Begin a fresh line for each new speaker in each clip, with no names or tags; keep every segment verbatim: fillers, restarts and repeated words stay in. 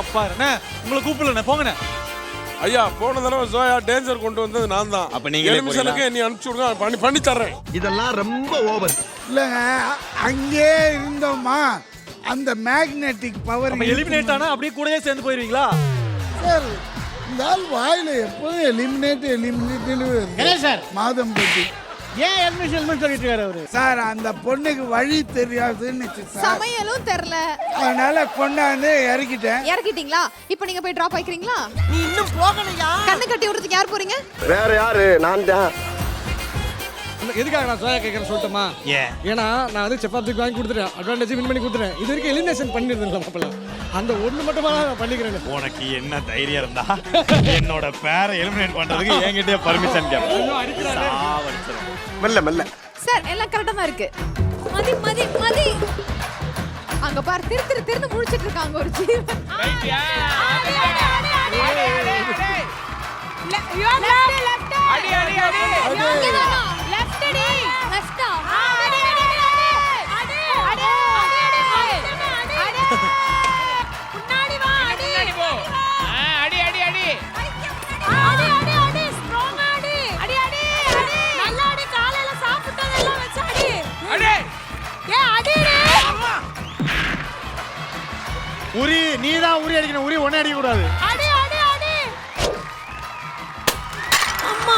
பாரு உங்களை கூப்பிடல போங்கண்ணே.
ஐயா போன தடவை சோயா டேஞ்சர் கொண்டு வந்தது நான் தான்.
அப்ப நீங்க
எலிமிஷனுக்கு நீ அனுப்பிச்சு விடுங்க, பண்ணி பண்ணி தர்றேன்.
இதெல்லாம் ரொம்ப ஓவர்
இல்லைங்க, அங்கே இருந்தோமா அந்த மேக்னெட்டிக் பவர்
எலிமினேட் ஆனா அப்படியே கூடயே சேர்ந்து போயிருவீங்களா
சார்? இந்த ஆள் வாயில எப்போதும் எலிமினேட் எலிமினேட் சார் மாதம் பற்றி
ஏன் எலிமினேஷன் சொல்லிட்டு இருக்காரு அவரு?
சார் அந்த பொண்ணுக்கு வழி தெரியாதுன்னு
சமையலும் தெரியல,
அதனால கொண்டாந்து இறக்கிட்டேன்.
இறக்கிட்டீங்களா? இப்போ நீங்க போய் டிராப் ஆயிக்கிறீங்களா?
நீ இன்னும் போகலையா?
கண்ணு கட்டி விடுறதுக்கு யார் போறீங்க?
வேற யாரு? நான் தான்.
எதுக்காக நான் சோயா கேட்கறேன் சொல்லட்டுமா?
ஏன்?
ஏன்னா நான் வந்து சப்பாத்திக்கு வாங்கி கொடுத்துட்டேன், அட்வான்டேஜ் வின் பண்ணி கொடுத்துட்டேன். இது வரைக்கும் எலிமினேஷன் பண்ணிருந்தேன் மாப்பிள்ள, அந்த ஒண்ணு மட்டுமா நான் பண்ணிக்கிறேன்.
உனக்கு என்ன தைரியம் இருந்தா என்னோட பேரை எலிமினேட் பண்றதுக்கு என்கிட்டயே பர்மிஷன் கேட்பேன்.
மெல்ல மெல்ல
சார் எல்லாம் கரெக்டா தான் இருக்கு. மதி மதி மதி அங்க பார், திரு திரு திருன்னு முழிச்சிட்டு இருக்காங்க ஒரு ஜீவன். அடி அடி அடி லெஃப்ட் அடி லெஃப்ட் அடி அடி அடி அடி அடி முன்னாடி வா, முன்னாடி போ. அடி அடி அடி அடி அடி அடி ஸ்ட்ராங் அடி அடி அடி அடி நல்லா அடி, காலையில சாப்பிட்டதெல்லாம் வச்சு அடி அடி ஏ அடி அடி.
உரி நீ தான் உரி அடிக்கணும், உரி ஒண்ணே அடிக்க கூடாது.
அடி அடி அடி அம்மா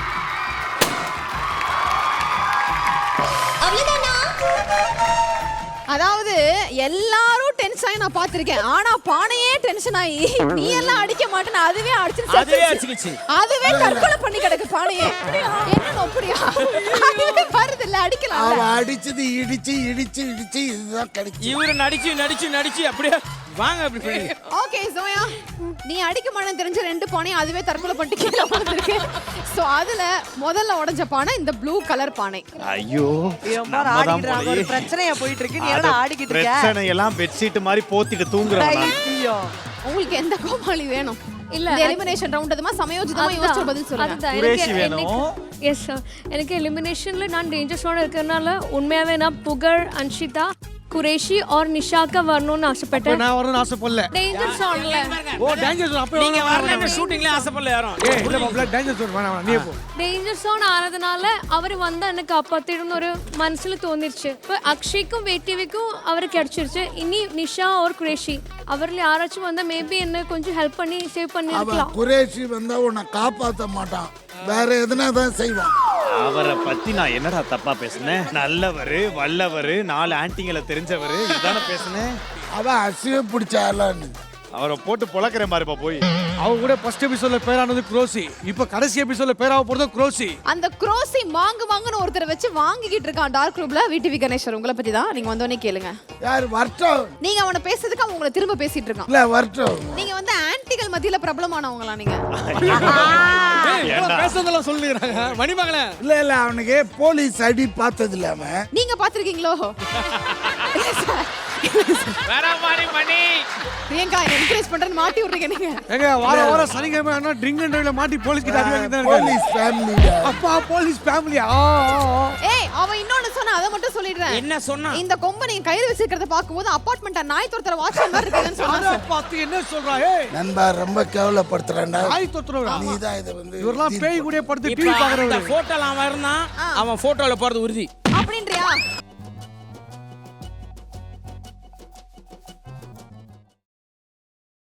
அதாவது எல்லாரும் டென்ஷன் ஆகி நான் பாத்திருக்கேன், ஆனா பானையே டென்ஷன் ஆகி நீ எல்லாம் அடிக்க மாட்டேன்னு அதுவே அடிச்சு அதுவே தற்கொலை பண்ணி கிடக்கு பானையே. என்ன அப்படியா வருது இல்ல அடிக்கலாம்.
அவ அடிச்சது இடிச்சு இடிச்சு இடிச்சு இதுதான் கிடைக்கும்.
இவரு நடிச்சு நடிச்சு நடிச்சு அப்படியே வாங்க அப்படி பண்ணி.
ஓகே சோயா, நீ அடிக்க மாட்டேன்னு தெரிஞ்ச ரெண்டு பானையும் அதுவே தற்கொலை பண்ணிட்டு கீழே விழுந்திருக்கு. சோ அதுல முதல்ல உடைஞ்ச பானை இந்த ப்ளூ கலர் பானை.
ஐயோ
ஒரு பிரச்சனையா போயிட்டு இருக்கு, நீ என்ன ஆடிக்கிட்டு இருக்க?
பிரச்சனை எல்லாம் பெட்ஷீட் மாதிரி போத்திட்டு தூங்குறேன்.
உங்களுக்கு எந்த கோமாளி வேணும்? இல்ல எலிமினேஷன் ரவுண்ட் அதுமா சமயோஜிதமா யோசிச்சு பதில் சொல்லுங்க.
குரேஷி வேணும்.
எஸ் சார், எனக்கு எலிமினேஷன்ல நான் டேஞ்சர் ஜோன் இருக்கறனால உண்மையாவே நான் புகழ், அன்ஷிதா, குரேஷி और நிஷா का வரணும்னு ஆசைப்பட்டேன்.
நான் வரணும்னு ஆசைப்படல.
டேஞ்சர் ஜோன்ல
ஓ டேஞ்சர் ஜோன் அப்ப
நீங்க வரலன்னு ஷூட்டிங்ல ஆசைப்படல யாரும்.
ஏய் இல்ல மாப்ள டேஞ்சர் ஜோன் வேணாம், நீ போ.
டேஞ்சர் ஜோன் ஆனதுனால அவர் வந்தா எனக்கு காப்பாத்திடும்னு ஒரு மனசுல தோணிருச்சு. இப்போ அக்ஷய்க்கும் வேட்டிவிக்கும் அவர் கிடைச்சிருச்சு. இனி நிஷா और குரேஷி அவர்ல யாராச்சும் வந்தா மேபி என்ன கொஞ்சம் ஹெல்ப் பண்ணி சேவ் பண்ணி இருக்கலாம்.
குரேஷி வந்தா உன்னை காப்பாத்த மாட்டான், வேற எதுனா தான் செய்வான்.
அவரை பத்தி நான் என்னடா தப்பா பேசுனேன்? நல்லவரு, வல்லவரு, நாலு ஆன்டிங்களை தெரிஞ்சவரு இதுதானே பேசுனேன்.
அவன் அசிவ பிடிச்சாலான்னு
அவரை போட்டு பொளக்குறேன் பாருப்பா போய்.
அவங்க கூட ஃபர்ஸ்ட் எபிசோட்ல பேரானது குரோசி, இப்போ கடைசி எபிசோட்ல பேராவ போறது குரோசி.
அந்த குரோசி மாங்கு மாங்குன்னு ஒருத்தரை வச்சு வாங்கிக்கிட்டு இருக்கான் டார்க் ரூம்ல. விடிவி கணேஸ்வர் உங்களை பத்தி தான், நீங்க வந்தோடனே கேளுங்க.
யார் வரட்டும்?
நீங்க அவனை பேசுறதுக்கு அவன் உங்களை திரும்ப பேசிட்டு இருக்கான்.
இல்ல வரட்டும்.
நீங்க வந்து ஆன்டிகள் மத்தியில பிரபலமானவங்களா நீங்க?
பேசுறதெல்லாம் சொல்லிடுறாங்க மணிமகளே.
இல்ல இல்ல அவனுக்கு போலீஸ் அடி பார்த்தது இல்லாம
நீங்க பாத்திருக்கீங்களோ?
வேற மாதிரி மணி
பிரியங்கா என்கரேஜ் பண்றேன்னு மாட்டி விடுறீங்க நீங்க.
எங்க வார வார சனிக்கிழமை ஆனா ட்ரிங்க் அண்ட் டிரைவ்ல மாட்டி போலீஸ் கிட்ட அடி வாங்கிட்டு இருக்காங்க.
Police family.
அப்பா போலீஸ் ஃபேமிலியா?
ஏய் அவன் இன்னொன்னு சொன்னா அத மட்டும் சொல்லிடுறேன்.
என்ன சொன்னா?
இந்த கொம்ப நீங்க கையில வச்சிருக்கிறத பாக்கும்போது அபார்ட்மெண்ட்டா நாய் துரத்துற வாட்ச் மாதிரி இருக்குன்னு சொன்னாங்க.
அத பார்த்து என்ன சொல்றா? ஏய்
நண்பா ரொம்ப கேவலப்படுத்துறான்டா.
நாய் துரத்துறவா?
நீ தான் இத வந்து
இவரெல்லாம் பேய் கூட படுத்து டிவி
இப்ப
பாக்குறவங்க.
அந்த போட்டோல அவன் இருந்தான், அவன் போட்டோல போறது உறுதி
அப்படின்றியா?